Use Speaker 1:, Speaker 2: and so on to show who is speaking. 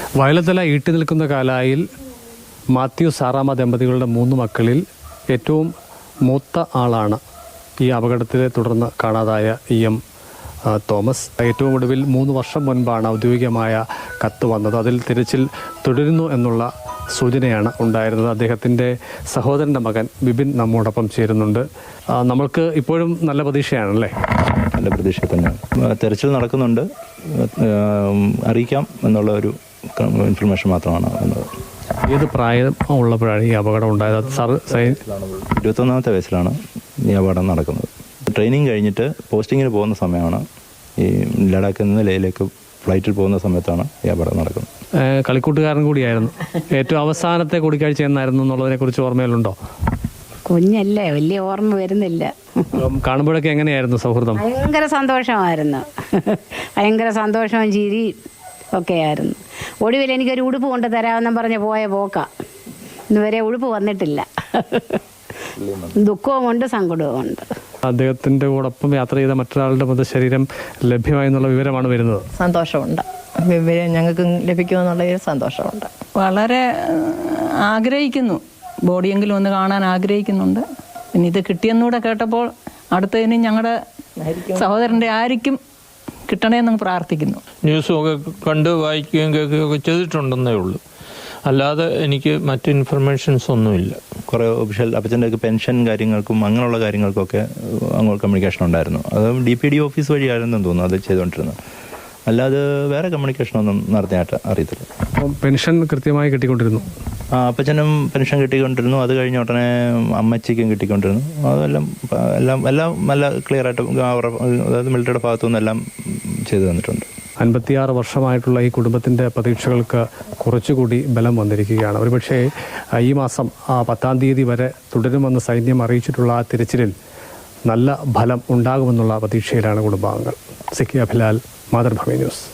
Speaker 1: വയലത്തല ഈട്ടി നിൽക്കുന്ന കാലായിൽ മാത്യു സാറാമ്മ ദമ്പതികളുടെ 3 മക്കളിൽ ഏറ്റവും മൂത്ത ആളാണ് ഈ അപകടത്തെ തുടർന്ന് കാണാതായ എം തോമസ്. ഏറ്റവും ഒടുവിൽ 3 വർഷം മുൻപാണ് ഔദ്യോഗികമായ കത്ത് വന്നത്. അതിൽ തിരച്ചിൽ തുടരുന്നു എന്നുള്ള സൂചനയാണ് ഉണ്ടായിരുന്നത്. അദ്ദേഹത്തിൻ്റെ സഹോദരൻ്റെ മകൻ ബിബിൻ നമ്മോടൊപ്പം ചേരുന്നുണ്ട്. നമ്മൾക്ക് ഇപ്പോഴും നല്ല പ്രതീക്ഷയാണല്ലേ?
Speaker 2: നല്ല പ്രതീക്ഷ തന്നെ. തെരച്ചിൽ നടക്കുന്നുണ്ട്, അറിയിക്കാം എന്നുള്ള ഒരു ഇൻഫർമേഷൻ മാത്രമാണ് വന്നത്.
Speaker 1: ഏത് പ്രായം ഉള്ളപ്പോഴാണ് ഈ അപകടം ഉണ്ടായത്?
Speaker 2: 21ാമത്തെ വയസ്സിലാണ് ഈ അപകടം നടക്കുന്നത്. ട്രെയിനിങ് കഴിഞ്ഞിട്ട് പോസ്റ്റിങ്ങിന് പോകുന്ന സമയമാണ്. ഈ ലഡാക്കിൽ നിന്ന് ലേയിലേക്ക് ഫ്ലൈറ്റിൽ പോകുന്ന സമയത്താണ് ഈ അപകടം നടക്കുന്നത്.
Speaker 1: കളിക്കൂട്ടുകാരൻ കൂടിയായിരുന്നു. ഏറ്റവും അവസാനത്തെ കൂടിക്കാഴ്ച എന്നായിരുന്നു എന്നുള്ളതിനെ കുറിച്ച് ഓർമ്മയിലുണ്ടോ?
Speaker 3: കുഞ്ഞല്ലേ, വലിയ ഓർമ്മ വരുന്നില്ല.
Speaker 1: കാണുമ്പോഴൊക്കെ എങ്ങനെയായിരുന്നു സൗഹൃദം?
Speaker 3: ഭയങ്കര സന്തോഷമായിരുന്നു. ഭയങ്കര സന്തോഷവും ചിരി ഒക്കെയായിരുന്നു. ഒടുവിൽ എനിക്കൊരു ഉടുപ്പ് കൊണ്ട് തരാമെന്നും പറഞ്ഞ് പോയ പോക്ക ഇന്നുവരെ ഉടുപ്പ് വന്നിട്ടില്ല. ദുഃഖവുമുണ്ട്, സങ്കടവുമുണ്ട്.
Speaker 1: അദ്ദേഹത്തിൻ്റെ കൂടൊപ്പം യാത്ര ചെയ്ത മറ്റൊരാളുടെ മൃതശരീരം ലഭ്യമായെന്നുള്ള വിവരമാണ് വരുന്നത്.
Speaker 4: സന്തോഷമുണ്ട്, വിവരം ഞങ്ങൾക്ക് ലഭിക്കുമെന്നുള്ളൊരു സന്തോഷമുണ്ട്. വളരെ ആഗ്രഹിക്കുന്നു, ബോഡിയെങ്കിലും ഒന്ന് കാണാൻ ആഗ്രഹിക്കുന്നുണ്ട്. പിന്നെ ഇത് കിട്ടിയെന്നൂടെ കേട്ടപ്പോൾ അടുത്തതിന് ഞങ്ങളുടെ സഹോദരൻ്റെ ആയിരിക്കും കിട്ടണേന്ന് പ്രാർത്ഥിക്കുന്നു.
Speaker 5: ന്യൂസുമൊക്കെ കണ്ട് വായിക്കുകയും കേൾക്കുകയൊക്കെ ചെയ്തിട്ടുണ്ടെന്നേ ഉള്ളൂ, അല്ലാതെ എനിക്ക് മറ്റ് ഇൻഫർമേഷൻസ് ഒന്നുമില്ല.
Speaker 2: കുറേ ഒഫീഷ്യൽ അപ്പച്ചൻ്റെയൊക്കെ പെൻഷൻ കാര്യങ്ങൾക്കും അങ്ങനെയുള്ള കാര്യങ്ങൾക്കൊക്കെ അങ്ങോട്ട് കമ്മ്യൂണിക്കേഷൻ ഉണ്ടായിരുന്നു. അത് DPD ഓഫീസ് വഴിയായിരുന്നെന്ന് തോന്നുന്നു അത് ചെയ്തുകൊണ്ടിരുന്നത്. അല്ലാതെ വേറെ കമ്മ്യൂണിക്കേഷനൊന്നും നടത്തിയായിട്ട് അറിയത്തില്ല.
Speaker 1: പെൻഷൻ കൃത്യമായി കിട്ടിക്കൊണ്ടിരുന്നു.
Speaker 2: അപ്പച്ചനും പെൻഷൻ കിട്ടിക്കൊണ്ടിരുന്നു. അത് കഴിഞ്ഞ ഉടനെ അമ്മച്ചിക്കും കിട്ടിക്കൊണ്ടിരുന്നു. അതെല്ലാം എല്ലാം നല്ല ക്ലിയർ ആയിട്ട് അതായത് മിലിറ്ററിയുടെ ഭാഗത്തുനിന്ന് എല്ലാം ചെയ്തു തന്നിട്ടുണ്ട്.
Speaker 1: 56 വർഷമായിട്ടുള്ള ഈ കുടുംബത്തിൻ്റെ പ്രതീക്ഷകൾക്ക് കുറച്ചുകൂടി ബലം വന്നിരിക്കുകയാണ്. ഒരുപക്ഷേ ഈ മാസം 10-ാം തീയതി വരെ തുടരുമെന്ന് സൈന്യം അറിയിച്ചിട്ടുള്ള ആ തിരച്ചിലിൽ നല്ല ഫലം ഉണ്ടാകുമെന്നുള്ള പ്രതീക്ഷയിലാണ് കുടുംബാംഗങ്ങൾ. സിക്കി അഭിലാൽ, മാതൃഭൂമി ന്യൂസ്.